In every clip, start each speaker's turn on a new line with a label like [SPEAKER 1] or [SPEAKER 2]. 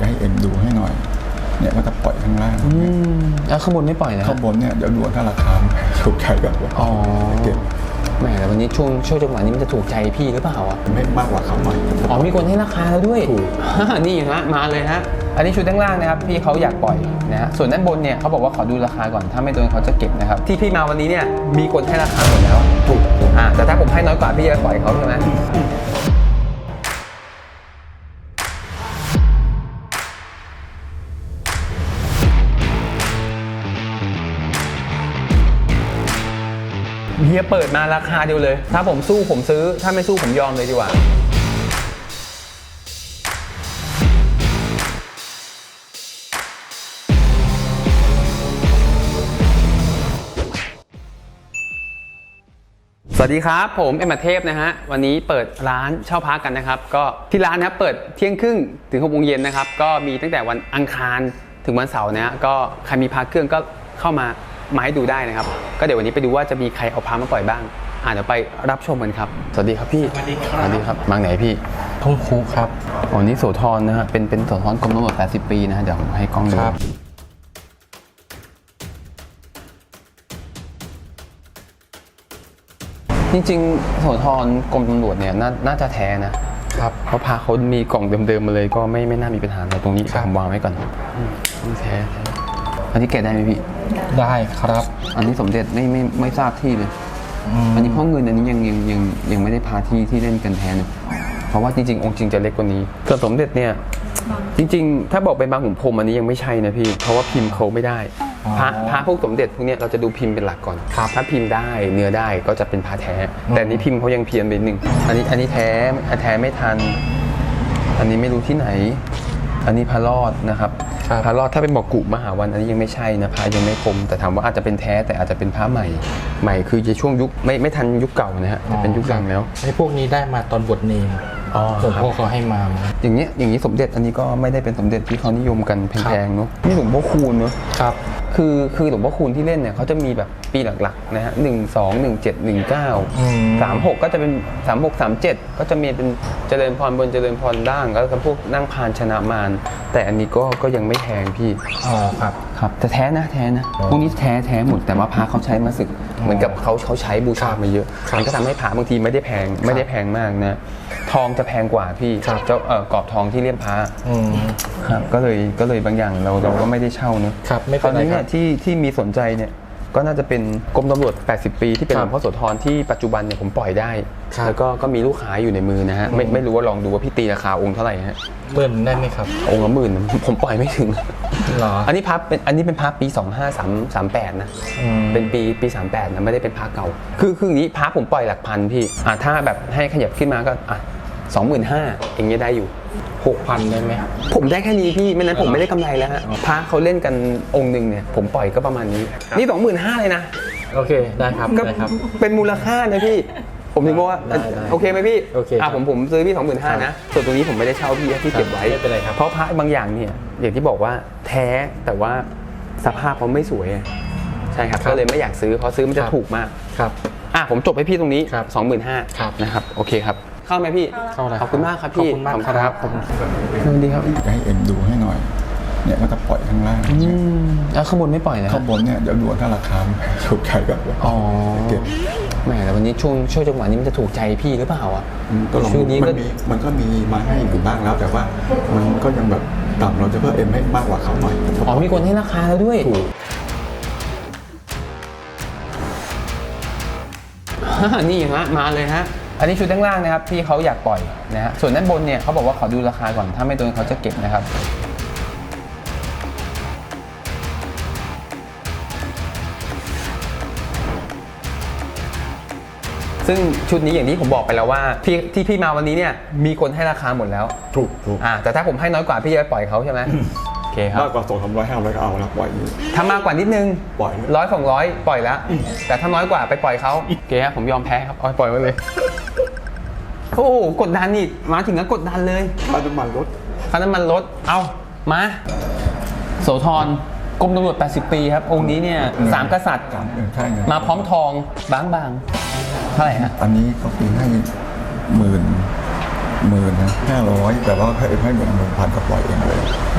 [SPEAKER 1] จะให้เอ็มดูให้หน่อยเนี่ยก็จะปล่อยข้างล่าง
[SPEAKER 2] แล้วข้างบนไม่ปล่อยเลย
[SPEAKER 1] ข้างบนเนี่ยเดี๋ยวดูถ้าราคาถูกใจแบบว่าเก็บ
[SPEAKER 2] แหมแต่วันนี้ช่วงจังหวะนี้มันจะถูกใจพี่หรือเปล่าอ่ะ
[SPEAKER 1] ไม่มากกว่าเขาหน่อย
[SPEAKER 2] มีคนให้ราคาแล้วด้วยนี่ฮะมาเลยฮะอันนี้ชุดด้านล่างนะครับพี่เขาอยากปล่อยนะฮะส่วนด้านบนเนี่ยเขาบอกว่าขอดูราคาก่อนถ้าไม่โดนเขาจะเก็บนะครับที่พี่มาวันนี้เนี่ยมีคนให้ราคาหมดแล้วถูกแต่ถ้าผมให้น้อยกว่าพี่จะปล่อยเขาใช่ไหมเฮียเปิดมาราคาเดียวเลยถ้าผมสู้ผมซื้อถ้าไม่สู้ผมยอมเลยดีกว่าสวัสดีครับผมเอ็มเทพนะฮะวันนี้เปิดร้านเช่าพักกันนะครับก็ที่ร้านนะครับเปิดเที่ยงครึ่งถึง6 โมงเย็นนะครับก็มีตั้งแต่วันอังคารถึงวันเสาร์นะฮะก็ใครมีพักเครื่องก็เข้ามาให้ดูได้นะครับก็เดี๋ยววันนี้ไปดูว่าจะมีใครเอาพามาปล่อยบ้างเดี๋ยวไปรับชมกันครับสวัสดีครับพี่
[SPEAKER 3] สวัสดีครับ
[SPEAKER 2] สวัสดีครับมาไหนพี่
[SPEAKER 3] ทุ่งคูครับ
[SPEAKER 2] นี่โสธรนะฮะเป็นโสธรกรมตำรวจ80 ปีนะฮะเดี๋ยวผมให้กล้องดูจริงๆโสธรกรมตำรวจเนี่ยน่าจะแท้นะครับเพราะพาเขามีกล่องเดิมๆมาเลยก็ไม่น่ามีปัญหาอะไรตรงนี้ผมวางไว้ก่อนแท้อันนี้แกะได้ไหมพี่
[SPEAKER 3] ได้ครับ
[SPEAKER 2] อันนี้สมเด็จไม่ทราบที่เลยอันนี้พ่อเงินอันนี้ยังไม่ได้พาที่เล่นกันแทนเพราะว่าจริงๆองค์จริงจะเล็กกว่านี้ส่วนสมเด็จเนี่ยจริงๆถ้าบอกเป็นบางขุนพรหมอันนี้ยังไม่ใช่นะพี่เพราะว่าพิมพ์เขาไม่ได้พระพวกสมเด็จพวกนี้เราจะดูพิมพ์เป็นหลักก่อนถ้าพิมพ์ได้เนื้อได้ก็จะเป็นพระแท้แต่นี้พิมพ์เขายังเพี้ยนไปนิดนึงอันนี้แท้ไม่ทันอันนี้ไม่รู้ที่ไหนอันนี้พระรอดนะครับพระรอดถ้าเป็นบอกกุมหาวันอันนี้ยังไม่ใช่นะพระยังไม่คมแต่ถามว่าอาจจะเป็นแท้แต่อาจจะเป็นพระใหม่คือในช่วงยุคไม่ทันยุคเก่านะฮะเป็นยุคหลังแล้ว
[SPEAKER 3] ไอ้พวกนี้ได้มาตอนบวชเนรหลวงพ่อเขาให้มา
[SPEAKER 2] อย่างนี้สมเด็จอันนี้ก็ไม่ได้เป็นสมเด็จที่เขานิยมกันแพงๆเนาะนี่หลวงพ่อคูณเนาะ
[SPEAKER 3] ครับ
[SPEAKER 2] คือหลวงพ่อคูณที่เล่นเนี่ยเขาจะมีแบบปีหลักๆนะฮะ12 17 19 36ก็จะเป็น36 37ก็จะมีเป็นเจริญพรบนเจริญพรล่างแล้วก็พวกนั่งพานชนะมารแต่อันนี้ก็ยังไม่แพงพี่ครับแต่แท้นะพวกนี้แท้หมดแต่ว่าพระเขาใช้มาสึกเหมือนกับเขาใช้บูชามาเยอะมันก็ทำให้พระบางทีไม่ได้แพงมากนะทองจะแพงกว่าพี่เจ้ากรอบทองที่เลี่ยมพระครับก็เลยบางอย่างเราก็ไม่ได้เช่าเนอะตอนนี้เนี่ยที่มีสนใจเนี่ยก็น่าจะเป็นกรมตำรวจ80 ปีที่เป็นหลวงพ่อโสธรที่ปัจจุบันเนี่ยผมปล่อยได้แล้วก็มีลูกค้าอยู่ในมือนะฮะไม่รู้ว่าลองดูว่าพี่ตีราคาองค์เท่าไหร่ฮะ
[SPEAKER 3] 10,000ได้ไหมครับ
[SPEAKER 2] องค์ละ10,000ผมปล่อยไม่ถึงหรออันนี้เป็นพระปี2538นะเป็นปี38นะไม่ได้เป็นพระเก่าคืออย่างนี้พระผมปล่อยหลักพันพี่ถ้าแบบให้ขยับขึ้นมาก็25,000อย่างเงี้ยได้อยู่
[SPEAKER 3] 6,000ได้ไหม
[SPEAKER 2] ผมได้แค่นี้พี่ไม่นั้นผมไม่ได้กำไรแล้วฮะพระเขาเล่นกันองค์หนึ่งเนี่ยผมปล่อยก็ประมาณนี้นี่25,000เลยนะ
[SPEAKER 3] โอเคได้ครับ
[SPEAKER 2] เป็นมูลค่านะพี่ผมถึงบอกว่าโอเคไหมพี่
[SPEAKER 3] โอเค
[SPEAKER 2] ผมซื้อพี่25,000นะส่วนตรงนี้ผมไม่ได้เช่าพี่เก็บไว้
[SPEAKER 3] ไม่เป็นไรครับ
[SPEAKER 2] เพราะพระบางอย่างเนี่ยอย่างที่บอกว่าแท้แต่ว่าสภาพเขาไม่สวยใช่ครับก็เลยไม่อยากซื้อเพราะซื้อมันจะถูกมาก
[SPEAKER 3] ครับ
[SPEAKER 2] ผมจบให้พี่ตรงนี้25,000นะครับโอเคครับเข้าไหมพี่ขอบคุณมากครับพี่
[SPEAKER 3] ขอบคุณมากครับ
[SPEAKER 2] สวัสดีครับ
[SPEAKER 1] จะให้เอ็มดูให้หน่อยเนี่ยก็จะปล่อยข้างล่าง
[SPEAKER 2] แล้วข้างบนไม่ปล่อยนะ
[SPEAKER 1] ข้างบนเนี่ยเดี๋ยวดูถ้าราคาถูกใจแบบว่าเก็บ
[SPEAKER 2] แหมแต่วันนี้ช่วงจังหวะนี้มันจะถูกใจพี่หรือเปล่า
[SPEAKER 1] ก็ลองมันก็มีมาให้อยู่บ้างแล้วแต่ว่ามันก็ยังแบบต่ำเราจะเพิ่มเอ็มให้มากกว่าเขาหน่อย
[SPEAKER 2] มีคนให้ราคาแล้วด้วยนี่ฮะมาเลยฮะอันนี้ชุดด้านล่างนะครับพี่เขาอยากปล่อยนะฮะส่วนด้านบนเนี่ยเขาบอกว่าขอดูราคาก่อนถ้าไม่โดนเขาจะเก็บนะครับซึ่งชุดนี้อย่างที่ผมบอกไปแล้วว่าพี่มาวันนี้เนี่ยมีคนให้ราคาหมดแล้ว
[SPEAKER 1] ถูก
[SPEAKER 2] แต่ถ้าผมให้น้อยกว่าพี่จะปล่อยเขาใช่ไหมโอเคครับ
[SPEAKER 1] มากกว่า200-300 500ก็เอาแล้วปล่อย
[SPEAKER 2] ถ้ามากกว่านิดนึง
[SPEAKER 1] ปล่อย
[SPEAKER 2] 100-200ปล่อยแล้วแต่ถ้าน้อยกว่าไปปล่อยเขาโอเคครับผมยอมแพ้ครับปล่อยไว้เลยโอ้กดดันนี่มาถึงก็กดดันเลย
[SPEAKER 1] ค่าน้ำมัน
[SPEAKER 2] รถเอามาโสธรกรมตำรวจ80 ปีครับองค์นี้เนี่ย3 กษัตริย์มาพร้อมทองบางเท่าไหร่ฮะ
[SPEAKER 1] อันนี้เขาตีให้10,000นะ500แต่ว่าให้1,000ก็ปล่อยเองเลย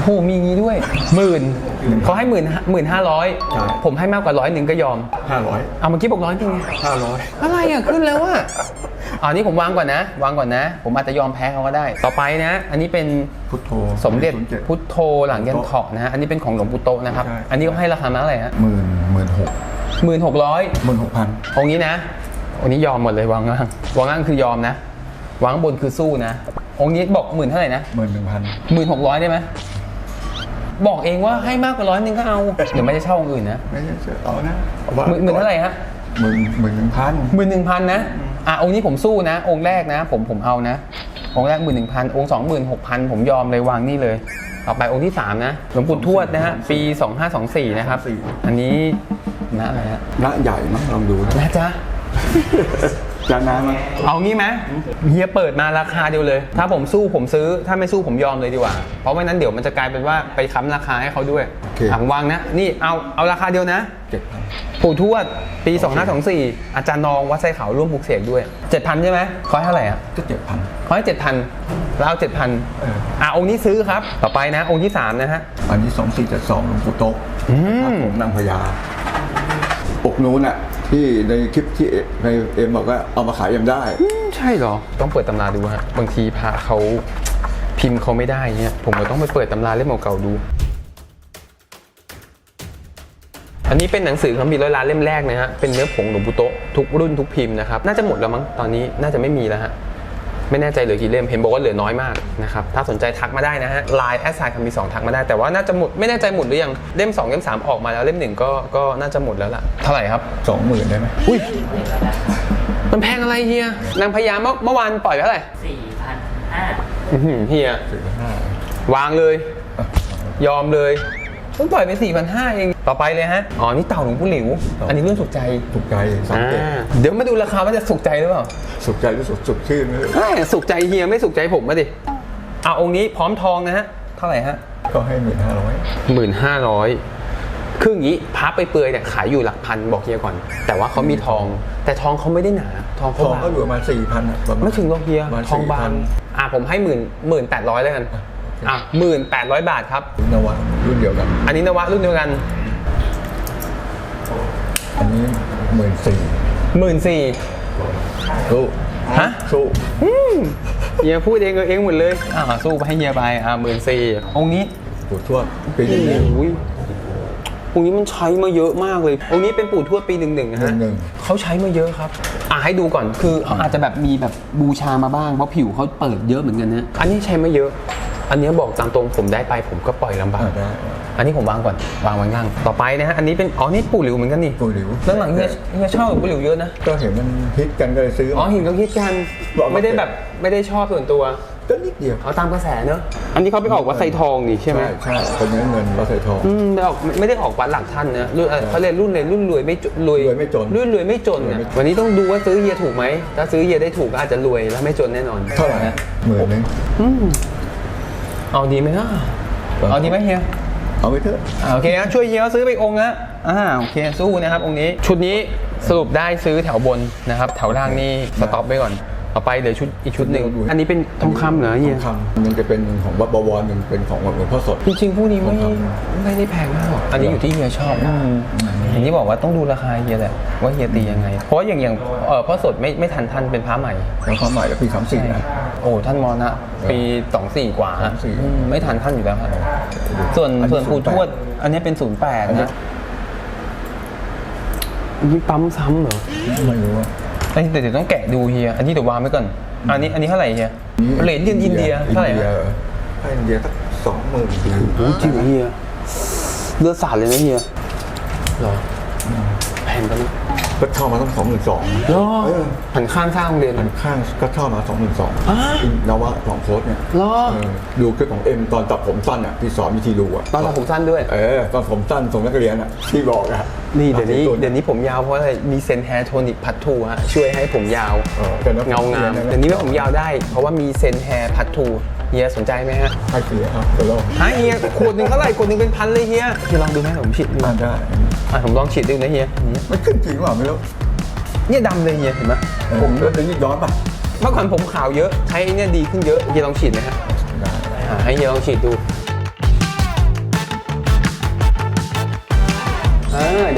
[SPEAKER 2] โหมีงี้ด้วย10,000เขาให้15,000
[SPEAKER 1] ใช่
[SPEAKER 2] ผมให้มากกว่า100ก็ยอม
[SPEAKER 1] 500
[SPEAKER 2] เอาเมื่อกี้บอก100จริงไง
[SPEAKER 1] 500
[SPEAKER 2] อะไรอ่ะขึ้นแล้วอ่ะอันนี้ผมวางก่อนนะ ผมอาจจะยอมแพ้เขาก็ได้ ต่อไปนะ อันนี้เป็น
[SPEAKER 1] พุทโธ
[SPEAKER 2] สมเด็จ
[SPEAKER 1] 07
[SPEAKER 2] พุทโธหลังยันเถาะนะฮะอันนี้เป็นของหลวงปู่โตะนะครับ
[SPEAKER 1] ใช่
[SPEAKER 2] อันนี้ก็ให้ราคามาเท่าไหร่ฮะ
[SPEAKER 1] 16,000
[SPEAKER 2] 16,000
[SPEAKER 1] 16,000
[SPEAKER 2] องค์นี้นะองค์นี้ยอมหมดเลยวางล่างคือยอมนะวางบนคือสู้นะ องค์นี้บอก10,000เท่าไหร่นะ
[SPEAKER 1] 11,000
[SPEAKER 2] 16,000ได้ไหมบอกเองว่าให้มากกว่า100ก็เอาเดี๋ยวไม่ได้เช่าองค์อื่นนะ
[SPEAKER 1] ไม่ใช่เชื่อเอานะ
[SPEAKER 2] หมื่นเท่าไหร่ฮะ
[SPEAKER 1] 11,000
[SPEAKER 2] 11,000นะองค์นี้ผมสู้นะ องค์แรกนะผมเอานะองค์แรก11,000องค์26,000ผมยอมเลยวางนี่เลยต่อไปองค์ที่3นะหลวงปู่ทวดนะฮะปี2524นะครับอันนี้นะอะไรฮะ
[SPEAKER 1] ณใหญ่มั้งลองดูนะ
[SPEAKER 2] นะจ๊ะ
[SPEAKER 1] จะน้ำมั้ย
[SPEAKER 2] เอางี้ไหมเฮียเปิดมาราคาเดียวเลย ถ้าผมสู้ผมซื้อถ้าไม่สู้ผมยอมเลยดีกว่า เพราะไม่นั้นเดี๋ยวมันจะกลายเป็นว่าไปค้ำราคาให้เขาด้วยผมวางนะนี่เอาราคาเดียวนะ
[SPEAKER 1] 7,000
[SPEAKER 2] ปู่ทวดปี 2524 อาจารย์นองวัดไซเขาร่วมปลูกเสกด้วย 7,000 ใช่ไหมเขาให้เท่าไหร่อ่ะ
[SPEAKER 1] ก็ 7,000
[SPEAKER 2] เขาให้ 7,000แล้วเอา 7,000 องค์นี้ซื้อครับ ต่อไปนะ องค์ที่ 3 นะฮะ
[SPEAKER 1] อันนี้2472หลวงปู่โต๊ะพระผงนางพญาปกนู้นอ่ะที่ในคลิปที่ในเอ็มบอกว่าเอามาขายยังได้
[SPEAKER 2] ใช่เหรอ ต้องเปิดตำราดูฮะ บางทีพระเขาพิมพ์เขาไม่ได้เนี่ยผมก็ต้องไปเปิดตำราเล่มเก่าๆดู อันนี้เป็นหนังสือคัมภีร์ร้อยล้านเล่มแรกนะฮะ เป็นเนื้อผงหลวงปู่โตะทุกรุ่นทุกพิมพ์นะครับ น่าจะหมดแล้วมั้ง ตอนนี้น่าจะไม่มีแล้วฮะ ไม่แน่ใจเหลือกี่เล่ม เห็นบอกว่าเหลือน้อยมากนะครับ ถ้าสนใจทักมาได้นะฮะ Line @คัมภีร์2ทักมาได้ แต่ว่าน่าจะหมด ไม่แน่ใจหมดหรือยัง เล่ม2เล่ม3ออกมาแล้วเล่ม1ก็น่าจะหมดแล้วล่ะ เท่าไหร่ครับ
[SPEAKER 1] 20,000ได้ไหม
[SPEAKER 2] อุ้ย มันแพงอะไรเฮียนางพญาเมื่อวานปล่อยไปเท่าไหร่ 4,500เฮีย
[SPEAKER 1] 4,500
[SPEAKER 2] วางเลย ยอมเลยต้องปล่อยไป 4,500 เอง ต่อไปเลยฮะ อ๋อ นี่เต่าหลวงปู่หลิว อันนี้รุ่นสุขใจ
[SPEAKER 1] ถูกใจสังเกต
[SPEAKER 2] เดี๋ยวมาดูราคาว่าจะสุขใจหรือเปล่า
[SPEAKER 1] สุขใจหรือสุขชื่นเลย
[SPEAKER 2] สุขใจเฮียไม่สุขใจผมมาดิองค์นี้พร้อมทองนะฮะ เท่าไหร่ฮะ
[SPEAKER 1] ก็ให้ 1,500
[SPEAKER 2] 1,500คืออย่างนี้พับไปเปลือยเนี่ยขายอยู่หลักพันบอกเฮียก่อน แต่ว่าเขามีทอง แต่ทองเขาไม่ได้หนา ทอง
[SPEAKER 1] ท
[SPEAKER 2] เขา
[SPEAKER 1] อง
[SPEAKER 2] บาง
[SPEAKER 1] ก็อยู่ประมาณ 4,000อ่ะประมาณ
[SPEAKER 2] ไม่ถึงหรอกเฮีย
[SPEAKER 1] ประมาณ
[SPEAKER 2] ทองบาง
[SPEAKER 1] 4,000
[SPEAKER 2] ผมให้18,000แล้วกัน18,000 บาทครับ
[SPEAKER 1] นวะรุ่นเดียวกัน
[SPEAKER 2] อันนี้นวะรุ่นเดียวกัน
[SPEAKER 1] อันนี้
[SPEAKER 2] 14,000
[SPEAKER 1] สู้
[SPEAKER 2] ฮะ
[SPEAKER 1] สู้
[SPEAKER 2] เฮียพูดเองเองหมดเลยสู้ไปให้เฮียไป14,000องค์นี้
[SPEAKER 1] ปู่ทวดปีนี้
[SPEAKER 2] อุ้ยองค์นี้มันใช้มาเยอะมากเลย องค์นี้เป็นปู่ทวดปี11นะฮะ
[SPEAKER 1] 11
[SPEAKER 2] เขาใช้มาเยอะครับให้ดูก่อน คือเขาอาจจะแบบมีแบบบูชามาบ้าง เพราะผิวเขาเปิดเยอะเหมือนกันนะ อันนี้ใช้มาเยอะ อันนี้บอกตามตรงผมได้ไปผมก็ปล่อยลำบาก
[SPEAKER 1] ได้
[SPEAKER 2] อันนี้ผมวางก่อน วางไว้ล่าง ต่อไปนะฮะ อันนี้เป็น นี่ปู่หลิวเหมือนกันนี่
[SPEAKER 1] ปู่หลิว
[SPEAKER 2] แล้วหลังเฮียชอบปู่หลิวเยอะนะ
[SPEAKER 1] ก็เห็นมันฮิตกันก็เลยซื้อ
[SPEAKER 2] หินก็คิดกัน ไม่ได้แบบไม่ได้ชอบส่วนตัว
[SPEAKER 1] ก็นิดเดียว
[SPEAKER 2] เอาตามกระแสเนอะอันนี้เขาไปออกวัดไซทองนี่ใช่ไหม
[SPEAKER 1] ใช่เป็นเนื้อเงินเราใส่ทอง
[SPEAKER 2] ไม่ได้ออกวัดหลักท่านนะรุ่นเขาเรียนรุ่นเลยรุ่นรวยไม่จนรวย
[SPEAKER 1] รวยไม่จน
[SPEAKER 2] รุ่นรวยไม่จนเนี่ยวันนี้ต้องดูว่าซื้อเฮียถูกไหมถ้าซื้อเฮียได้ถูกก็อาจจะรวยแล้วไม่จนแน่นอน
[SPEAKER 1] เท่าไหร่ฮะ10,000
[SPEAKER 2] เอาดีไหมนะเอาดีไหมเฮีย
[SPEAKER 1] เอาไปเถอะ
[SPEAKER 2] โอเคนะช่วยเฮียซื้อไปองค์นะโอเคสู้นะครับองค์นี้ชุดนี้สรุปได้ซื้อแถวบนนะครับแถวล่างนี่สต็อปไว้ก่อนต่อไปเดี๋ยวอีกชุดหนึ่งอันนี้เป็นทองคำเหรอเฮีย
[SPEAKER 1] ทองคำมันจะเป็นของวัดบวรหนึ่งเป็นของหลวงพ่อสด
[SPEAKER 2] จริงๆพวกนี้ไม่ได้แพงมากหรอกอันนี้อยู่ที่เฮียชอบอย่างที่บอกว่าต้องดูราคาเฮียแหละว่าเฮียตียังไง เพราะอย่างพ่อสดไม่ทันท่านเป็นพระใหม่
[SPEAKER 1] แล้วความใหม่แล้วปี34นะ
[SPEAKER 2] โอ้ท่านมรณะปี24กว่า
[SPEAKER 1] 24
[SPEAKER 2] ไม่ทันท่านอยู่แล้วครับส่วนปู่ทวดอันนี้เป็น08นะนี่ปั๊มซ้ำเหรอ
[SPEAKER 1] ไม่รู้ว่า
[SPEAKER 2] แต่เดี๋ยวต้องแกะดูเฮียอันนี้เดี๋ยววางไว้ก่อนอันนี้เท่าไหร่เฮียเหรียญอินเดียเท่าไหร่
[SPEAKER 1] ให้อินเดียสัก20,000
[SPEAKER 2] โอ้จริงเฮียเลือดสาดเลยนะเฮียหรอแพงกัน
[SPEAKER 1] ก็เช่ามาต้อง22,000
[SPEAKER 2] หรอหันข้างสร้างโรงเรียน
[SPEAKER 1] มันข้างก็เช่ามา22,000นวะของโค้ดเนี่ย
[SPEAKER 2] หรอ
[SPEAKER 1] ดูคลิปของเอ็มตอนตัดผมสั้นอ่ะที่สอนวิธีดูอ่ะ
[SPEAKER 2] ตอนผมสั้นด้วย
[SPEAKER 1] ตอนผมสั้นส่งนักเรียนอ่ะที่บอกอ่ะ
[SPEAKER 2] นี่เดี๋ยวนี้ผมยาวเพราะอะไรมีเซนแฮร์โทนิกพัททูฮะช่วยให้ผมยาวเงางามเดี๋ยวนี้ว่าผมยาวได้เพราะว่ามีเซนแฮร์พัททูเฮียสนใจไหมฮะ
[SPEAKER 1] ให้ฟรีครับเดี๋ยวเรา
[SPEAKER 2] เฮียขวดหนึ่งเท่าไหร่ขวดหนึ่งเป็นพันเลยเฮียลองดูไหมผมฉีดดู
[SPEAKER 1] ได้
[SPEAKER 2] ผมลองฉีดดูนะเฮีย
[SPEAKER 1] มันขึ้นจริงหรือเปล่าไม่รู้
[SPEAKER 2] เนี่ยดำเลยเฮียเห็นไหม
[SPEAKER 1] ผมก็จะยิ่งย้อนป่ะ
[SPEAKER 2] เมื่อก่อนผมขาวเยอะใช้เนี่ยดีขึ้นเยอะเฮียลองฉีดไหมฮะ
[SPEAKER 1] ได้
[SPEAKER 2] ให้เฮียลองฉีดดู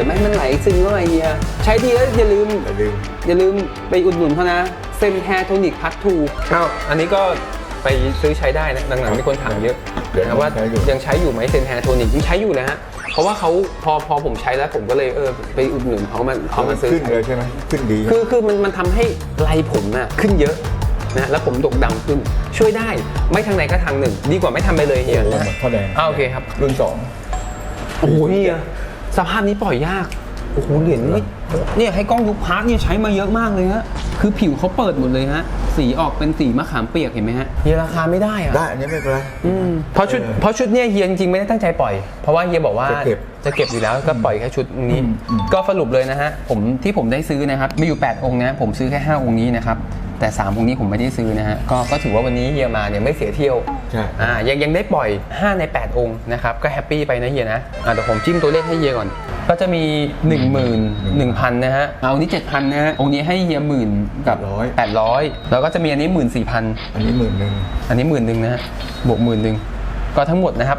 [SPEAKER 2] ห็นไหมมันไหลซึมเข้าไปเฮียใช้ดีแล้วอย่าลืมไปอุดหนุนเขานะเซนแฮร์โทนิกพัททูอ้าวอันนี้ก็ไปซื้อใช้ได้นะหลังๆมีคนถามเยอะนะว่ายังใช้อยู่ไหมเซนแฮร์โทนิกยังใช้อยู่นะฮะเพราะว่าเขาพอผมใช้แล้วผมก็เลยไปอุดหนุนเขามาซื้อ
[SPEAKER 1] ขึ้นเลยใช่ไหมขึ้นดี
[SPEAKER 2] คือมันทำให้ไรผมน่ะขึ้นเยอะนะแล้วผมดกดำขึ้นช่วยได้ไม่ทางไหนก็ทางหนึ่งดีกว่าไม่ทำไปเลยเฮีย
[SPEAKER 1] โอ้หมดข้อแดง
[SPEAKER 2] โอเคครับ
[SPEAKER 1] รุ่น
[SPEAKER 2] โอ้โหเฮียสภาพนี้ปล่อยยากโอ้โหเหรียญไม่เนี่ยให้กล้องดูพาร์ทเนี่ยใช้มาเยอะมากเลยฮะคือผิวเขาเปิดหมดเลยฮะสีออกเป็นสีมะขามเปียกเห็นไหมฮะเฮียราคาไม่ได้อะ
[SPEAKER 1] 2ได้อันนี้ไม่เป็นไร
[SPEAKER 2] เพราะชุดเนี่ยเฮียจริงๆไม่ได้ตั้งใจปล่อยเพราะว่าเฮียบอกว่าจะเก็บอยู่แล้วก็ปล่อยแค่ชุดนี้ก็สรุปเลยนะฮะผมได้ซื้อนะครับมีอยู่8องค์นะผมซื้อแค่5องค์นี้นะครับแต่3องค์นี้ผมไม่ได้ซื้อนะฮะก็ถือว่าวันนี้เฮียมาเนี่ยไม่เสียเที่ยว
[SPEAKER 1] ใช่
[SPEAKER 2] ยังได้ปล่อย5ใน8องค์นะครับก็แฮปปี้ไปนะเฮียนะแต่ผมจิ้มตัวเลขให้เฮียก่อนก็จะมี 11,000 นะฮะเอานี้ 7,000 นะฮะองค์นี้ให้เฮีย10,000กับ800แล้วก็จะมีอันนี้ 14,000
[SPEAKER 1] อันนี้10,000
[SPEAKER 2] อันนี้10,000นะฮะบวก10,000ก็ทั้งหมดนะครับ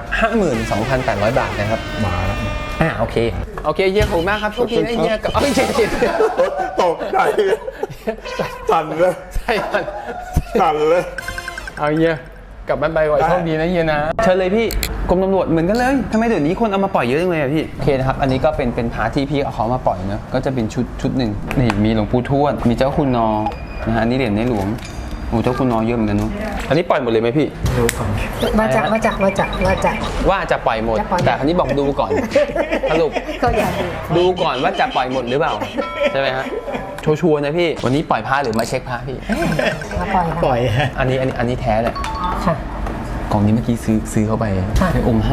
[SPEAKER 2] 52,800 บาทนะครับ
[SPEAKER 1] มาแล้ว
[SPEAKER 2] โอเคเฮียขอบคุณมากครับโชคดีนะเฮียกับเจ็ด
[SPEAKER 1] ตกใจสั่นเลย
[SPEAKER 2] ใช่ครับ
[SPEAKER 1] สั่นเลย
[SPEAKER 2] เอาเฮียกลับบ้านไปก่อนโชคดีนะเฮียนะเชิญเลยพี่กรมตำรวจเหมือนกันเลยทำไมเดี๋ยวนี้คนเอามาปล่อยเยอะจังเลยอะพี่โอเคนะครับอันนี้ก็เป็นพาร์ทที่พี่เอาเขามาปล่อยเนอะก็จะเป็นชุดหนึ่งนี่มีหลวงปู่ทวดมีเจ้าคุณนอนะฮะอันนี้เหรียญในหลวงโอ้เจ้าคุณนอเยอะเหมือนกันเนาะอันนี้ปล่อยหมดเลยไหมพี่
[SPEAKER 4] มาจาก
[SPEAKER 2] ว่าจะปล่อยหมด
[SPEAKER 4] จะปล่อยหมด
[SPEAKER 2] แต่อันนี้บอกดูก่อนสรุป
[SPEAKER 4] ก็อยากดู
[SPEAKER 2] ก่อนว่าจะปล่อยหมดหรือเปล่าใช่ไหมฮะชัวร์ๆนะพี่วันนี้ปล่อยพระหรือมาเช็คพระพี่
[SPEAKER 4] มาปล่อยค่ะ
[SPEAKER 3] ปล่อยฮะ
[SPEAKER 2] อันนี้แท้แหละ
[SPEAKER 4] ค่ะ
[SPEAKER 2] กล่องนี้เมื่อกี้ซื้อเข้าไป
[SPEAKER 4] ค่ะ
[SPEAKER 2] ในองค์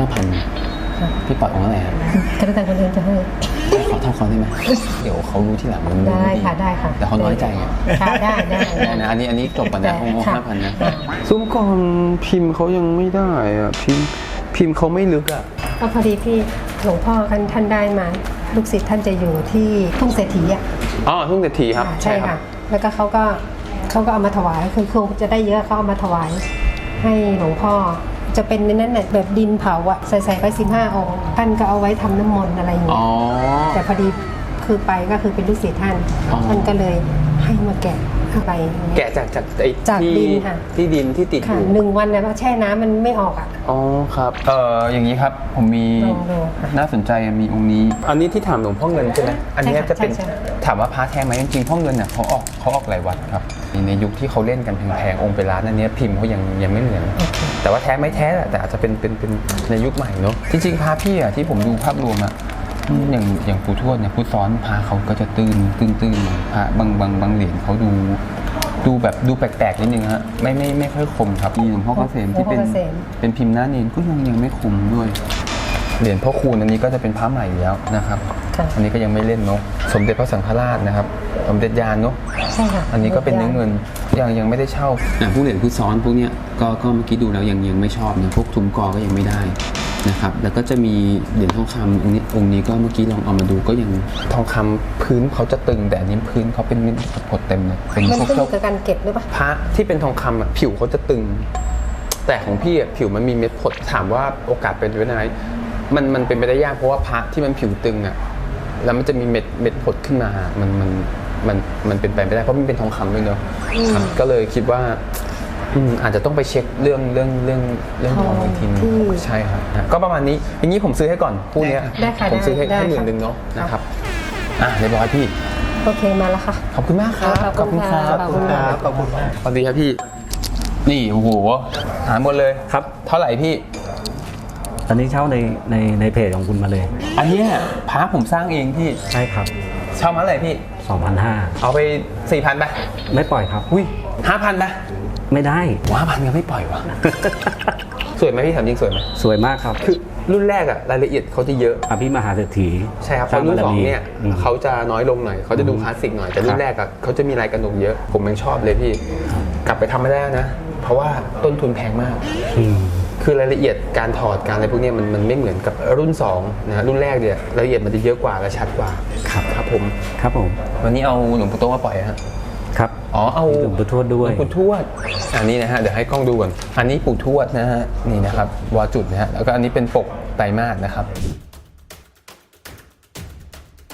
[SPEAKER 2] 5,000พี่ปล่อยองค์อะไรฮะ
[SPEAKER 4] ก็แล้วแต่คนอื่นจะให้
[SPEAKER 2] ขอเท่าเขาได้ไหมเดี๋ยวเขารู้ที่หลังมัน
[SPEAKER 4] ได้ค่ะได้ค่ะ
[SPEAKER 2] แต่เขาน้อยใจไง
[SPEAKER 4] ค่ะได้ได้
[SPEAKER 2] ได้นะอันนี้จบก่อนนะองค์
[SPEAKER 4] ค่ะ
[SPEAKER 2] 5,000นะซุ้มกองพิมพ์เขายังไม่ได้อะพิมพ์เขาไม่ลึกอะ
[SPEAKER 4] ก็พอดีพี่หลวงพ่อท่านได้มาลูกศิษย์ท่านจะอยู่ที่ทุ่งเศรษฐีอ่ะ
[SPEAKER 2] อ๋อทุ่งเศรษฐีครับ
[SPEAKER 4] ใช่ค่ะ แล้วก็เขาก็เอามาถวายคือคงจะได้เยอะเขาเอามาถวายให้หลวงพ่อจะเป็นในนั้นแหละแบบดินเผาอะใส่ไป15องค์ท่านก็เอาไว้ทำน้ำมนต์อะไรอย่างเงี้
[SPEAKER 2] อ๋
[SPEAKER 4] ย
[SPEAKER 2] อ
[SPEAKER 4] แต่พอดีคือไปก็คือเป็นลูกศิษย์ท่าน
[SPEAKER 2] อ๋อ
[SPEAKER 4] ท่านก็เลยให้มาแกะอะไรอย่างเงี้ย
[SPEAKER 2] แกะจากไอ้
[SPEAKER 4] จาก
[SPEAKER 2] ที่
[SPEAKER 4] ดินค่ะ
[SPEAKER 2] ที่ดินที่ติดอ
[SPEAKER 4] ค่ะ
[SPEAKER 2] ยู่
[SPEAKER 4] 1 วันเนี่ยว่าแช่น้ำมันไม่ออกอ่ะ
[SPEAKER 2] อ๋อครับอย่างนี้ครับผมมี
[SPEAKER 4] ลองดูค่ะ
[SPEAKER 2] น่าสนใจมีองค์นี้ อันนี้ที่ถามหลวงพ่อเงินใช่ไหมอันนี้
[SPEAKER 4] ใช่ค่ะ
[SPEAKER 2] จะเป็น
[SPEAKER 4] ใช่
[SPEAKER 2] ถามว่าพระแท้ไหมจริงๆพ่อเงินเนี่ยเขาออกหลายวัดครับในยุคที่เขาเล่นกันแพงๆองค์เป็นล้านอันนี้พิมพ์เขายังไม่เหมือน แต่ว่าแท้ไม่แท้แหละแต่อาจจะเป็นในยุคใหม่เนาะจริงๆพระพี่อะที่ผมดูภาพรวมอะอย่างปู่ทวดเนี่ยพุทธซ้อนพระเขาก็จะตื้นหน่อยพระบางเหรียญเขาดูแบบดูแปลกๆนิดนึงฮะไม่ค่อยคมครับมีหลวงพ่อเกษมที่เป็น
[SPEAKER 4] หลวงพ่อเกษม
[SPEAKER 2] เป็นพิมพ์หน้าเนียนก็ยังไม่คมด้วยเหรียญพ่อคูณอันนี้ก็จะเป็นพระใหม่อยู่แล้วนะครับ
[SPEAKER 4] ค่ะ
[SPEAKER 2] อันนี้ก็ยังไม่เล่นเนาะสมเด็จพระสังฆราชนะครับสมเด็จยานเนาะ
[SPEAKER 4] ใช่ค่ะ
[SPEAKER 2] อันนี้ก็เป็นเนื้อเงินยังไม่ได้เช่าพวกเหรียญพุทธซ้อนพวกเนี้ยก็เมื่อกี้ดูแล้วยังไม่ชอบนะพวกทุมกอก็ยังไม่ได้นะครับแล้วก็จะมีเหรียญทองคำองค์นี้ก็เมื่อกี้ลองเอามาดูก็ยังทองคำพื้นเขาจะตึงแต่อันนี้พื้นเขาเป็นเม็ดผดเต็มเลยเป็น
[SPEAKER 4] มัน
[SPEAKER 2] พวก
[SPEAKER 4] ขึ้น
[SPEAKER 2] เจ้า
[SPEAKER 4] กับการเก็บหรือเปล่า
[SPEAKER 2] พระที่เป็นทองคำอ่ะผิวเขาจะตึง แต่ของพี่อ่ะผิวมันมีเม็ดผดถามว่าโอกาสเป็นไปได้ไหมมันเป็นไปได้ยากเพราะว่าพระที่มันผิวตึงอ่ะแล้วมันจะมีเม็ดผดขึ้นมามันเป็นไปไม่ได้เพราะมันเป็นทองคำด้วยเนอะครับก็เลยคิดว่าอาจจะต้องไปเช็คเรื่องทองอีกทีนึงใช่ครับก็ประมาณนี้อย่างนี้ผมซื้อให้ก่อนคู่เนี้ย
[SPEAKER 4] ได้ค่ะ
[SPEAKER 2] ผมซื้อให้
[SPEAKER 4] ได้
[SPEAKER 2] 10,000นึงเนาะนะครับเรียบร้อยพี่
[SPEAKER 4] โอเคมาแล้วค่ะ
[SPEAKER 2] ขอบคุณมากครับ
[SPEAKER 4] ขอบคุณครับ
[SPEAKER 3] ขอบคุณมาก
[SPEAKER 2] สวัสดีครับพี่นี่โอ้โหหาหมดเลย
[SPEAKER 5] ครับ
[SPEAKER 2] เท่าไหร่พี่
[SPEAKER 5] ตอนนี้เช่าในเพจของคุณมาเลย
[SPEAKER 2] อันเนี้ยพระผมสร้างเองพี่
[SPEAKER 5] ใช่ครับ
[SPEAKER 2] เช่ามาอะไรพี่
[SPEAKER 5] 2,500
[SPEAKER 2] เอาไป 4,000ไป
[SPEAKER 5] ไม่ปล่อยครับ
[SPEAKER 2] อุ้ย 5,000ไป
[SPEAKER 5] ไม่ได้
[SPEAKER 2] 5,000ยังไม่ปล่อยวะ สวยไหมพี่ถามจริงสวยไหม
[SPEAKER 5] สวยมากครับ
[SPEAKER 2] คือรุ่นแรกอะรายละเอียดเขาจะเยอะ
[SPEAKER 5] อภิมหาเศรษฐี
[SPEAKER 2] ใช่ครับเพ
[SPEAKER 5] สร้า
[SPEAKER 2] ราะรุ่น
[SPEAKER 5] บาร
[SPEAKER 2] สอง
[SPEAKER 5] มี
[SPEAKER 2] เนี่ยเขาจะน้อยลงหน่อยเขาจะดูคลาสสิกหน่อยแต่รุ่นแรกอะเขาจะมีลายกระหนกเยอะ ผมยังชอบเลยพี่ กลับไปทำไม่ได้นะ เพราะว่าต้นทุนแพงมาก
[SPEAKER 5] อืม
[SPEAKER 2] คือรายละเอียดการถอดการอะไรพวกเนี้ยมันไม่เหมือนกับรุ่น2นะฮะรุ่นแรกเนี่ยรายละเอียดมันจะเยอะกว่าและชัดกว่า
[SPEAKER 5] ครับ
[SPEAKER 2] ครับผม
[SPEAKER 5] ครับผม
[SPEAKER 2] วันนี้เอาหลวงปู่โตมาปล่อยฮะ
[SPEAKER 5] ครับ
[SPEAKER 2] อ๋อเอา
[SPEAKER 5] หลวงปู่ทวดด้วย
[SPEAKER 2] หลวงปู่ทวดอันนี้นะฮะเดี๋ยวให้กล้องดูก่อนอันนี้ปู่ทวดนะฮะนี่นะครับวอจุดนะฮะแล้วก็อันนี้เป็นปกไตรมาสนะครับ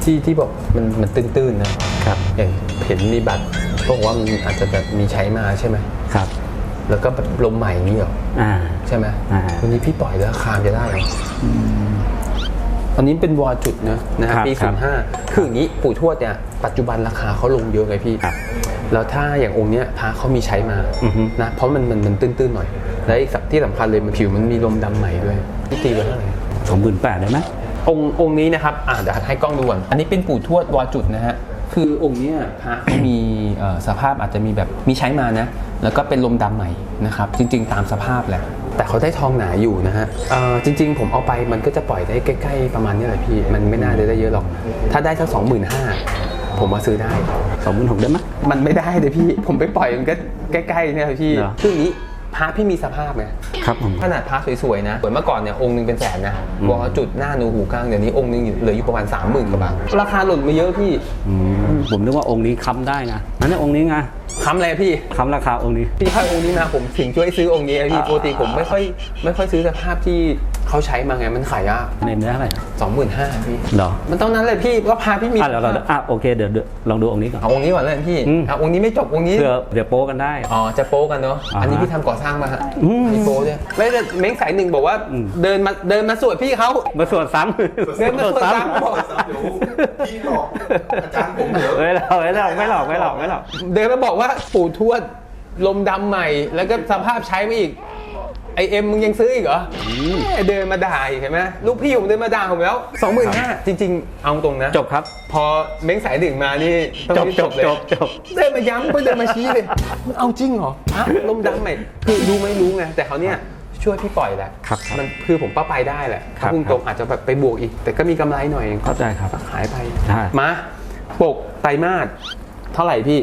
[SPEAKER 2] ที่บอกมันตื้นๆนะครับ อย่างเห็นมีบัตรบอกว่ามันอาจจะแบบมีใช้มาใช่ไหม
[SPEAKER 5] ครับ
[SPEAKER 2] แล้วก็แบบลมใหม่นี่เหรอ ใช่ไหม วันนี้พี่ปล่อยแล้วราคาจะได้เหรออันนี้เป็นวอจุดนะครับปี 05คืออย่างนี้ปู่ทวดเนี่ยปัจจุบันราคาเขาลงเยอะไงพี่ แล้วถ้าอย่างองค์เนี้ยพระเขามีใช้มานะเพราะมันตื้นๆหน่อยและอีกที่สำคัญเลยมันผิวมันมีลมดำใหม่ด้วยพี่ตีไว้เท่าไหร่
[SPEAKER 5] 28,000ได้ไหม
[SPEAKER 2] องค์นี้นะครับเดี๋ยวให้กล้องดูก่อนอันนี้เป็นปู่ทวดวอจุดนะฮะคือองค์เนี้ยพระเขามีสภาพอาจจะมีแบบมีใช้มานะแล้วก็เป็นลมดำใหม่นะครับจริงๆตามสภาพแหละแต่เขาได้ทองหนาอยู่นะฮะจริงๆผมเอาไปมันก็จะปล่อยได้ใกล้ๆประมาณนี้แหละพี่มันไม่น่าจะได้เยอะหรอกถ้าได้สัก 25,000ผมมาซื้อได้
[SPEAKER 5] 26,000ได้ไหม
[SPEAKER 2] มันไม่ได้เลยพี่ผมไปปล่อยมันก็ใกล้ๆเนี่ยพี่
[SPEAKER 5] เหรอ
[SPEAKER 2] คืออย่างนี้พระพี่มีสภาพไง
[SPEAKER 5] ครับผม
[SPEAKER 2] ขนาดพระสวยๆนะเมื่อก่อนเนี่ยองค์นึงเป็นแสนนะวอจุดหน้านูหูกลางเดี๋ยวนี้องค์นึงเหลืออยู่ประมาณ 30,000 กว่าบาทราคาหล่นมาเยอะพี่
[SPEAKER 5] ผมนึกว่าองค์นี้ค้ำได้นะนั่นนี่องค์นี้ไง
[SPEAKER 2] ค้ำอะไรพี่
[SPEAKER 5] ค้ำราคาองค์นี้
[SPEAKER 2] พี่ให้องค์นี้มาผมถึงช่วยซื้อองค์นี้พี่ปกติผมไม่ค่อยซื้อสภาพที่เขาใช้มาไงมันขายยาก
[SPEAKER 5] ในเนื้อเท่าไหร่
[SPEAKER 2] 25,000พี่
[SPEAKER 5] เหรอ
[SPEAKER 2] มันต้องนั้นเลยพี่ก็พาพี่มี
[SPEAKER 5] เราโอเคเดี๋ยวลองดูองค์นี้ก่อน
[SPEAKER 2] เอาองค์นี้ก่อนเลยพี่เอาองค์นี้ไม่จบองค์นี้
[SPEAKER 5] เดี๋ยวโป๊กันได้
[SPEAKER 2] อ๋อจะโป๊กันเนาะอันนี้พี่ทำก่อสร้างมาฮะพี่โป๊ด้วยไม่แต่เม้งสายหนึ่งบอกว่าเดินมาสวดพี่เขา
[SPEAKER 5] มาสวดซ้ำ
[SPEAKER 2] เดินมาสวดซ้ำบอก
[SPEAKER 1] พี่หลอกอาจารย์ผมเหรอ
[SPEAKER 5] ไม่หลอก
[SPEAKER 2] เดินมาบอกว่าปู่ทวดลมดำใหม่แล้วก็สภาพใช้มาอีกไอเอ็มมึงยังซื้ออีกเหรอเดินมาด่าอีกเห็นไหมลูกพี่ผมเดินมาด่าผมแล้ว 25,000จริงๆเอาตรงนะ
[SPEAKER 5] จบครับ
[SPEAKER 2] พอเม้งสายหนึ่งมานี่ต้องรีบเลย
[SPEAKER 5] จบ
[SPEAKER 2] เดินมาย้ำเดินมาชี้เลยมันเอาจริงเหรอลมดำใหม่คือรู้ไม่รู้ไงแต่เขาเนี่ยช่วยพี่ปล่อยแหละ
[SPEAKER 5] ครับ
[SPEAKER 2] มันคือผมป้าไปได้แหละ
[SPEAKER 5] ครับ
[SPEAKER 2] ถ้าพุ่งตรงอาจจะแบบไปบวกอีก แต่ก็มีกำไรหน่อย
[SPEAKER 5] เข้าใจครับ
[SPEAKER 2] ขายไป
[SPEAKER 5] ใช่
[SPEAKER 2] มาปกไตรมาสเท่าไหร่พี่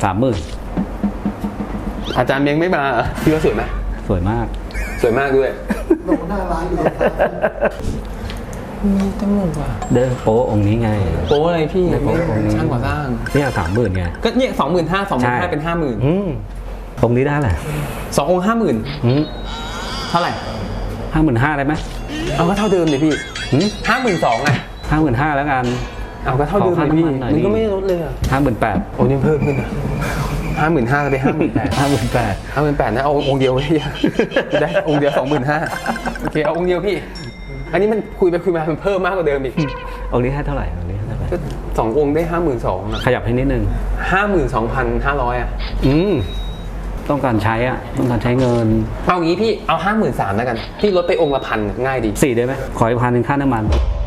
[SPEAKER 5] 30,000
[SPEAKER 2] อาจารย์เม้งไม่มาพี่ว่าสวยไหม
[SPEAKER 5] สวยมาก
[SPEAKER 2] สวยมากด้วย
[SPEAKER 1] ลงหน้าร้านอยู่
[SPEAKER 2] มีตำรวจว่ะ
[SPEAKER 5] เด้อโป๊องค์นี้ไง
[SPEAKER 2] โป๊อะไรพี่
[SPEAKER 5] ไม่โป๊องค์นี้
[SPEAKER 2] ช่างก่อสร้าง
[SPEAKER 5] เนี่ย30,000ไง
[SPEAKER 2] ก็เนี่ย25,000เป็น 50,000
[SPEAKER 5] องค์นี้ได้แหละ
[SPEAKER 2] 2 องค์ 50,000เท่าไหร่
[SPEAKER 5] 55,000ได้ไหม
[SPEAKER 2] เอาก็เท่าเดิมเลยพี่ 52,000อ่ะ
[SPEAKER 5] 55,000แล้วกัน
[SPEAKER 2] เอาก็เท่าเดิมเลยพี่
[SPEAKER 5] ขอค่าน้ำมันหน่อย
[SPEAKER 2] มันก็ไม่ได้ลดเลยอ่ะ
[SPEAKER 5] 58,000
[SPEAKER 2] โอ้นี่เพิ่มขึ้นอ่ะ55,000จะไป58,000 58,000นะเอาองค์เดียวพี่ได้องค์เดียว 25,000โอเคเอาองค์เดียวพี่ อันนี้มันคุยไปคุยมามันเพิ่มมากกว่าเดิมอีก
[SPEAKER 5] องค์นี้ให้เท่าไหร่องค์นี้ให้เท่าไหร่
[SPEAKER 2] ก็2 องค์ได้ 52,000อ่ะ
[SPEAKER 5] ขยับให้นิดนึง
[SPEAKER 2] 52,500อ่ะ
[SPEAKER 5] ต้องการใช้ต้องการใช้เงิน
[SPEAKER 2] เอางี้พี่เอา 53,000แล้วกันพี่ลดไปองค์ละ1,000ง่ายดี
[SPEAKER 5] 4ได้ไหมขออีก1,000ค่าน้ำมัน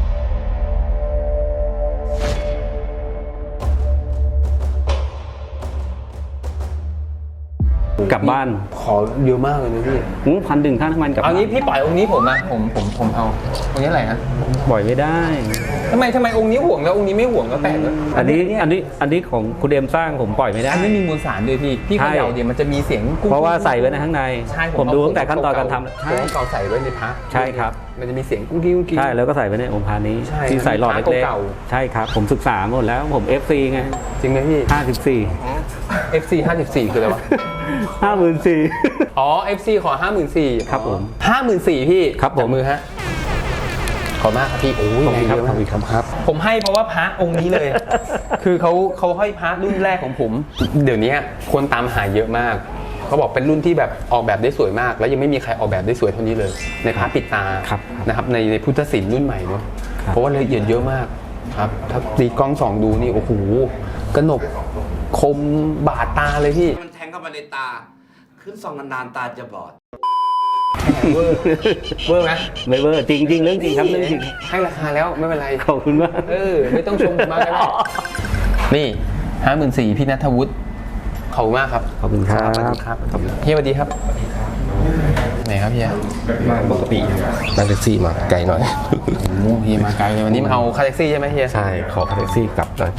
[SPEAKER 5] กลับบ้าน
[SPEAKER 2] ขอเยอะมากเลยนะพี่
[SPEAKER 5] 1,000ค่าน้ำมันกลับ
[SPEAKER 2] เอา
[SPEAKER 5] บ้าน
[SPEAKER 2] งี้พี่ปล่อยองค์นี้ผมอะผมเอาองค์นี้อะไรนะ
[SPEAKER 5] ปล่อยไม่ได้
[SPEAKER 2] ทำไมองค์นี้ห่วงแล้วองค์นี้ไม่ห่วงก็แปลกเลย
[SPEAKER 5] อันนี้ของคุณเดมสร้างผมปล่อยไม่ได้
[SPEAKER 2] อันนี้มีมวลสารด้วยพี่
[SPEAKER 5] ใช่
[SPEAKER 2] เขย่าเดี๋ยวมันจะมีเสียงกุ้ง
[SPEAKER 5] เพราะว่าใส่ไว้ในข้างใน
[SPEAKER 2] ใช่
[SPEAKER 5] ผมดูตั้งแต่ขั้นตอนการทำ
[SPEAKER 2] ใช่เก่าใส่ไว้ในพระ
[SPEAKER 5] ใช่ครับ
[SPEAKER 2] มันจะมีเสียงกุ้งกิ้งกุ้งกิ้ง
[SPEAKER 5] ใช่แล้วก็ใส่ไว้ในองค์พานี้
[SPEAKER 2] ใช่
[SPEAKER 5] ที่ใส่หลอดเล็ก
[SPEAKER 2] เก่า
[SPEAKER 5] ๆใช่ครับ ผมศึกษาหมดแล้วผม FC ไง
[SPEAKER 2] จริงไหมพี่
[SPEAKER 5] 54
[SPEAKER 2] FC 54คืออะไรวะ
[SPEAKER 5] 54,000
[SPEAKER 2] อ๋อ FC ขอ 54,000
[SPEAKER 5] ครับผม
[SPEAKER 2] 54,000พี่
[SPEAKER 5] ครับผม
[SPEAKER 2] จัมือฮะขอบมากครับพี่โอ้ย
[SPEAKER 5] ขอบคุณครับ
[SPEAKER 2] แงเยอะมาก
[SPEAKER 5] ขอบคุณครับ
[SPEAKER 2] ผมให้เพราะว่าพระองค์นี้เลย คือเขาให้พระรุ่นแรกของผม เดี๋ยวนี้คนตามหาเยอะมากเขาบอกเป็นรุ่นที่แบบออกแบบได้สวยมาก แล้วยังไม่มีใครออกแบบได้สวยเท่านี้เลย ในพระปิดตา
[SPEAKER 5] ครับ
[SPEAKER 2] นะครับในพุทธศิลป์รุ่นใหม่เนาะ
[SPEAKER 5] ครับ
[SPEAKER 2] เพราะว่าละเอียดเยอะมากครับถ้าตีกล้องส่องดูนี่โอ้โหกระหนกคมบาดตาเลยพี่
[SPEAKER 6] มันแทงเข้ามาในตา ขึ้นส่องนานๆตาจะบอด
[SPEAKER 2] เวอร์ไหม
[SPEAKER 5] ไม่เวอร์จริงเรื่องจริงครับเรื่องจริง
[SPEAKER 2] ให้ราคาแล้วไม่เป็นไร
[SPEAKER 5] ขอบคุณมาก
[SPEAKER 2] ไม่ต้องชมผมมากก็ได้นี่54,000พี่ณัฐวุฒิขอบคุณมากครับ
[SPEAKER 5] ขอบคุณครับ
[SPEAKER 2] สวัสดีครับเฮียสวัสดีครับไหนครับเฮีย
[SPEAKER 7] มาปกตินั่งแท็กซี่มาไกลหน่อย
[SPEAKER 2] โอ้โหเฮียมาไกลเลยวันนี้มาเอาค่าแท็กซี่ใช่ไหมเฮีย
[SPEAKER 7] ใช่ ขอค่าแท็กซี่กลับหน่อย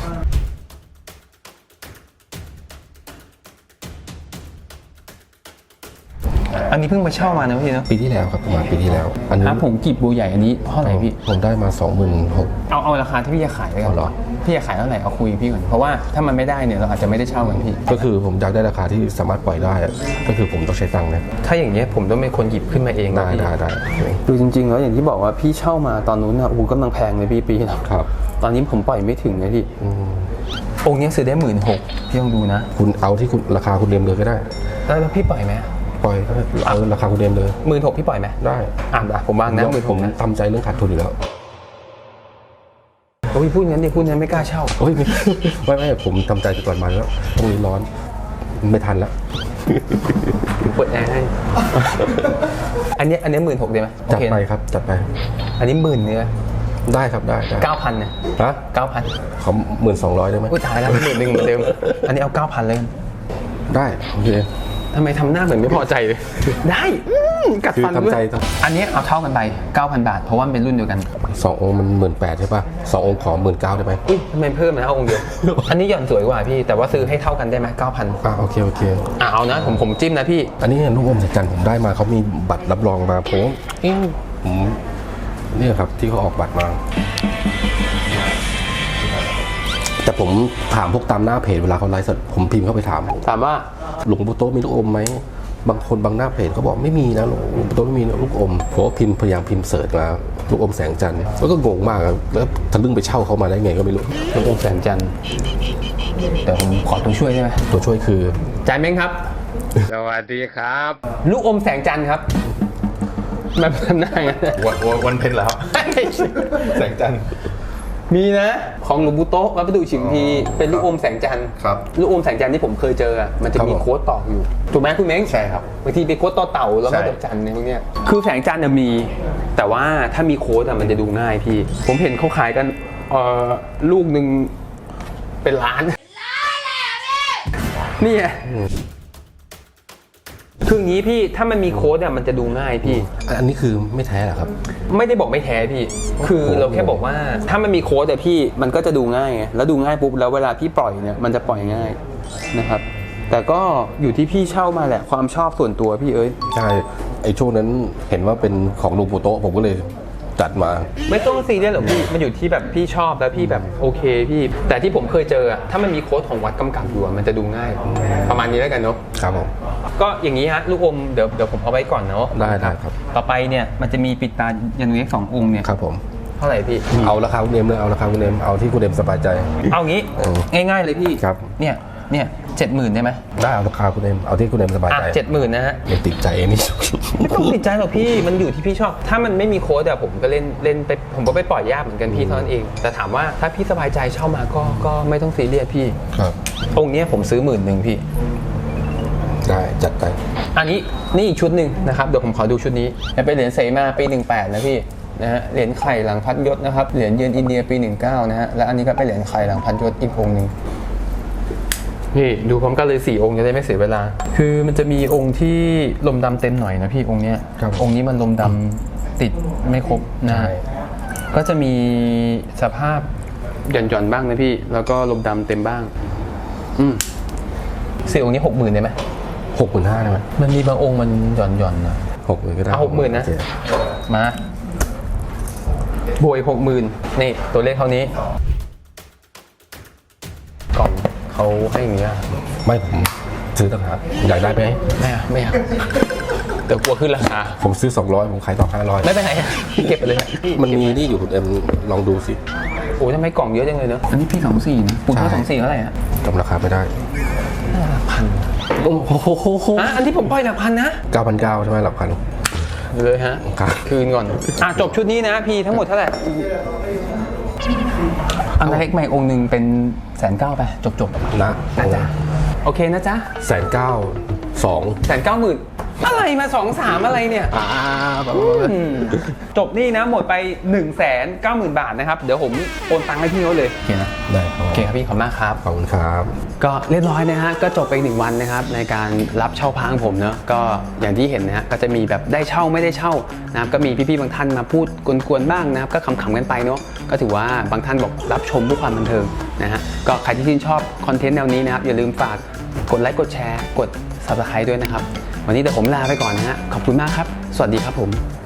[SPEAKER 2] อันนี้เพิ่งมาเช่ามานะพี่เนาะ
[SPEAKER 7] ปีที่แล้วครับประมาณปีที่แล้ว อันนี้
[SPEAKER 2] ผมกีบบัวใหญ่อันนี้เท่าไหร่พี่
[SPEAKER 7] ผมได้มา 26,000
[SPEAKER 2] เอาราคาที่พี่จะขายเลยกั
[SPEAKER 7] เอาเหรอ
[SPEAKER 2] พี่จะขายเท่าไหร่เอาคุยกับพี่ก่อนเพราะว่าถ้ามันไม่ได้เนี่ยเราอาจจะไม่ได้เช่ากันพี่
[SPEAKER 7] ก็คือผมอยากได้ราคาที่สามารถปล่อยได้อะก็คือผมต้องใช้ตังค์นะ
[SPEAKER 2] ถ้าอย่างเงี้ยผมต้องเป็นคนหยิบขึ้นมาเองนะ
[SPEAKER 7] ได้
[SPEAKER 2] พี่
[SPEAKER 7] ได้ได้
[SPEAKER 2] คือจริงๆแล้วอย่างที่บอกว่าพี่เช่ามาตอนนู้นนะโอ้โหกำลังแพงเลยพี่ปีนะครับตอนนี้ผมปล่อยไม่ถึงนะพี่องค์นี้ซื้อได้16,000พี่ลองดูนะ
[SPEAKER 7] คุณเอาที่คุณราคาคุณเดิมเลยก็ได้
[SPEAKER 2] แล้วพี่ปล่อยไหม
[SPEAKER 7] ปล่อยเอาราคาคุณเดิมเลย
[SPEAKER 2] 16,000พี่ปล่อยไหม
[SPEAKER 7] ได้
[SPEAKER 2] ผมวางนะ
[SPEAKER 7] ผม
[SPEAKER 2] 16,000นะ
[SPEAKER 7] ทำใจเรื่องขาดทุนอยู่แล้ว
[SPEAKER 2] โอ้ยพูดงั้นดิพูดงั้นไม่กล้าเช่า
[SPEAKER 7] โอ้ยไม่ผมทำใจก่อนมาแล้วตรงนี้ร้อนไม่ทันแล้ว
[SPEAKER 2] เปิดแอร์ให้ อันนี้16,000ได้ไหม
[SPEAKER 7] จัด
[SPEAKER 2] โอเค
[SPEAKER 7] ไป
[SPEAKER 2] นะครับ
[SPEAKER 7] จัดไป
[SPEAKER 2] อันนี้10,000เนี่ย
[SPEAKER 7] ได้ครับได้
[SPEAKER 2] 9,000เนี่ย
[SPEAKER 7] ฮะ
[SPEAKER 2] 9,000
[SPEAKER 7] เขา12,000ได้ไหม
[SPEAKER 2] อุ้ยตายแล้ว11,000เหมือนเดิม อันนี้เอา 9,000เลย
[SPEAKER 7] ได้โอเค
[SPEAKER 2] ทำไมทำหน้าเหมือนไม่พอใจเลย ได้กัดฟัน
[SPEAKER 7] คือ
[SPEAKER 2] ด้วย
[SPEAKER 7] ทำใจต้อง
[SPEAKER 2] อันนี้เอาเท่ากันไป 9,000 บาท เพราะว่ามันเป็นรุ่นเดียวกัน
[SPEAKER 7] 2 องค์มัน18,000ใช่ป่ะ2 องค์ขอ19,000ได้ไหม
[SPEAKER 2] อุ้ยทำไมเพิ่มนะเอาองค์เดียว อันนี้หย่อนสวยกว่าพี่ แต่ว่าซื้อให้เท่ากันได้ไหม 9,000
[SPEAKER 7] โอเค
[SPEAKER 2] เอานะผมจิ้มนะพี่
[SPEAKER 7] อันนี้ลูกอมสัจจันทร์ผมได้มาเขามีบัตรรับรองมาผมเนี่ยครับที่เขาออกบัตรมา แต่ผมถามพวกตามหน้าเพจเวลาเขาไลฟ์สดผมพิมพ์เข้าไปถาม
[SPEAKER 2] ถามว่า
[SPEAKER 7] หลวงปู่โตะมีลูกอมไหมบางคนบางหน้าเพจเขาบอกไม่มีนะหลวงปู่โตะไม่มีลูกอมผมก็พยายามพิมพ์เสิร์ชมาลูกอมแสงจันทร์แล้วก็งงมากครับแล้วทะลึ่งไปเช่าเขามาได้ไงก็ไม่รู้
[SPEAKER 2] ลูกอมแสงจันทร์เดี๋ยวผมขอตัวช่วยได้ไหม
[SPEAKER 7] ตัวช่วยคือ
[SPEAKER 2] จานเม้งครับ
[SPEAKER 8] สวัสดีครับ
[SPEAKER 2] ลูกอมแสงจันทร์ครับแบบทำหน้าอย่างนั้น
[SPEAKER 8] วันเพ็ญแล้ว แสงจันทร์
[SPEAKER 2] มีนะของหลวงปู่โต๊ะวัดประดู่ฉิมพีเป็นลูกอมแสงจันทร์
[SPEAKER 8] ครับ
[SPEAKER 2] ลูกอมแสงจันทร์ที่ผมเคยเจออะมันจะ
[SPEAKER 7] ครับ
[SPEAKER 2] มี
[SPEAKER 7] ผม
[SPEAKER 2] โค้ดต่ออยู่ถูกไหมคุณเม้ง
[SPEAKER 8] ใช่ครับ
[SPEAKER 2] บางทีเป็นโค้ดต่อเต่าแล้วก็
[SPEAKER 8] ใช่
[SPEAKER 2] ดอกจันทร์เนี่ยพวกเนี้ยคือแสงจันทร์น่ะมี แต่ว่าถ้ามีโค้ดอะมันจะดูง่ายพี่ ผมเห็นเขาขายกันลูกหนึ่งเป็นล้านนี่ไงคืออย่างนี้พี่ถ้ามันมีโค้ดอะมันจะดูง่ายพี่
[SPEAKER 7] อันนี้คือไม่แท้เหรอครับ
[SPEAKER 2] ไม่ได้บอกไม่แท้พี่ คือเราแค่บอกว่าถ้ามันมีโค้ดแต่พี่มันก็จะดูง่ายไงแล้วดูง่ายปุ๊บแล้วเวลาพี่ปล่อยเนี่ยมันจะปล่อยง่ายนะครับ แต่ก็อยู่ที่พี่เช่ามาแหละความชอบส่วนตัวพี่เอ้ย
[SPEAKER 7] ใช่ไอ้ช่วงนั้นเห็นว่าเป็นของหลวงปู่โตะผมก็เลยจัดมา
[SPEAKER 2] ไม่ต้องซีเรียสหรอกพี่มันอยู่ที่แบบพี่ชอบแล้วพี่แบบโอเคพี่ แต่ที่ผมเคยเจออะถ้ามันมีโค้ดของวัดกำกับอยู่อะมันจะดูง่าย ประมาณนี้แล้วกันเนาะ
[SPEAKER 7] ครับผม
[SPEAKER 2] ก็อย่างนี้ฮะลูกอมเดี๋ยวผมเอาไว้ก่อนเนาะ
[SPEAKER 7] ได้ครับ
[SPEAKER 2] ต่อไปเนี่ยมันจะมีปิดตายันเล็ก2 องค์เนี่ย
[SPEAKER 7] ครับผม
[SPEAKER 2] เท่าไหร่พี่
[SPEAKER 7] เอาราคาคุณเนมเลยเอาราคาคุณเนมเอาที่คุณเนมสบายใจ
[SPEAKER 2] เอางี้ง่ายๆเลยพี่
[SPEAKER 7] ครับ
[SPEAKER 2] เนี่ย70,000ได้ไหม
[SPEAKER 7] ได้เอาราคาคุณเนมเอาที่คุณเนมสบายใจ
[SPEAKER 2] 70,000นะฮะ
[SPEAKER 7] ไม่ติดใจนี่
[SPEAKER 2] ไม่ต้องติดใจหรอกพี่มันอยู่ที่พี่ชอบ ถ้ามันไม่มีโค้ดอะผมก็เล่นไปผมก็ไปปล่อยยากเหมือนกันพี่เท่านั้นเอง แต่ถามว่าถ้าพี่สบายใจเช่ามาก็ไม่ต้องซีเรียสพี่
[SPEAKER 7] ครับ
[SPEAKER 2] องค์เนี้ยผมซื้อ10,000พี่
[SPEAKER 7] ได้จัดไป
[SPEAKER 2] อันนี้นี่อีกชุดหนึ่งนะครับเดี๋ยวผมขอดูชุดนี้เป็นเหรียญเสมาปี18นะพี่นะฮะเหรียญไข่หลังพัดยศนะครับเหรียญเยือนอินเดียปี19นะฮะและอันนี้ก็เป็นเหรียญไข่หลังพัดยศอีกองค์หนึ่งนี่ดูพร้อมกันเลย4 องค์จะได้ไม่เสียเวลา คือมันจะมีองค์ที่ลมดำเต็มหน่อยนะพี่องค์เนี้ย
[SPEAKER 7] ครับ
[SPEAKER 2] องค์นี้มันลมดำติดไม่ครบนะ
[SPEAKER 7] ใช่
[SPEAKER 2] ก็จะมีสภาพหย่อนๆบ้างนะพี่แล้วก็ลมดำเต็มบ้าง4 องค์นี้60,000ได้ไหม
[SPEAKER 7] 65,000ได้ไหม
[SPEAKER 2] มันมีบางองค์มันหย่อนๆนะ
[SPEAKER 7] 60,000ก็ได้
[SPEAKER 2] เอา60,000นะ
[SPEAKER 7] โอเค
[SPEAKER 2] มาบวย60,000นี่ตัวเลขเท่านี้กล่องเขาให้อย่างนี้อะ
[SPEAKER 7] ไม่ผมซื้อต่างหากอยากได้ไหม
[SPEAKER 2] ไม่เอาเดี๋ยวกลัวขึ้นราคา
[SPEAKER 7] ผมซื้อ200ผมขายต่อ500
[SPEAKER 2] ไม่เป็นไรเก็บไปเลย
[SPEAKER 7] มันมีนี่อยู่คุณเอ็มลองดูสิ
[SPEAKER 2] โอ้ยทำไมกล่องเยอะจังเลยเนอะอันนี้พี่24นะคุณเท่า24เท่าไหร่อะ
[SPEAKER 7] จำราคาไม่ได้
[SPEAKER 2] พัน
[SPEAKER 7] โอ้โห
[SPEAKER 2] อันที่ผมปล่อยหลักพันนะ
[SPEAKER 7] 9,900ใช่ไหมหลักพัน
[SPEAKER 2] เลยฮะ
[SPEAKER 7] ครับ
[SPEAKER 2] คืนก่อนจบชุดนี้นะพี่ทั้งหมดเท่าไหร่อันเล็กใหม่องค์หนึ่งเป็น190,000ไปจบ
[SPEAKER 7] นะ
[SPEAKER 2] นะจ๊ะโอเคนะจ๊ะ
[SPEAKER 7] 192,000
[SPEAKER 2] 190,000อะไรมา2-3อะไรเนี่ยจบนี่นะหมดไป 190,000 บาทนะครับเดี๋ยวผมโอนตังค์ให้พี่เขาเลยโอเคนะ
[SPEAKER 7] ได้ครับ
[SPEAKER 2] โอเคครับพี่ขอบคุณมากครับ
[SPEAKER 7] ขอบคุณครับ
[SPEAKER 2] ก็เรียบร้อยนะฮะก็จบไปอีก1 วันนะครับในการรับเช่าพระของผมเนอะก็อย่างที่เห็นนะฮะก็จะมีแบบได้เช่าไม่ได้เช่านะครับก็มีพี่ๆบางท่านมาพูดกวนๆบ้างนะครับก็ขำๆกันไปเนาะก็ถือว่าบางท่านบอกรับชมเพื่อความบันเทิงนะฮะก็ใครที่ชื่นชอบคอนเทนต์แนวนี้นะครับอย่าลืมฝากกดไลค์กดแชร์กด Subscribe ด้วยนะครับวันนี้เดี๋ยวผมลาไปก่อนนะฮะขอบคุณมากครับสวัสดีครับผม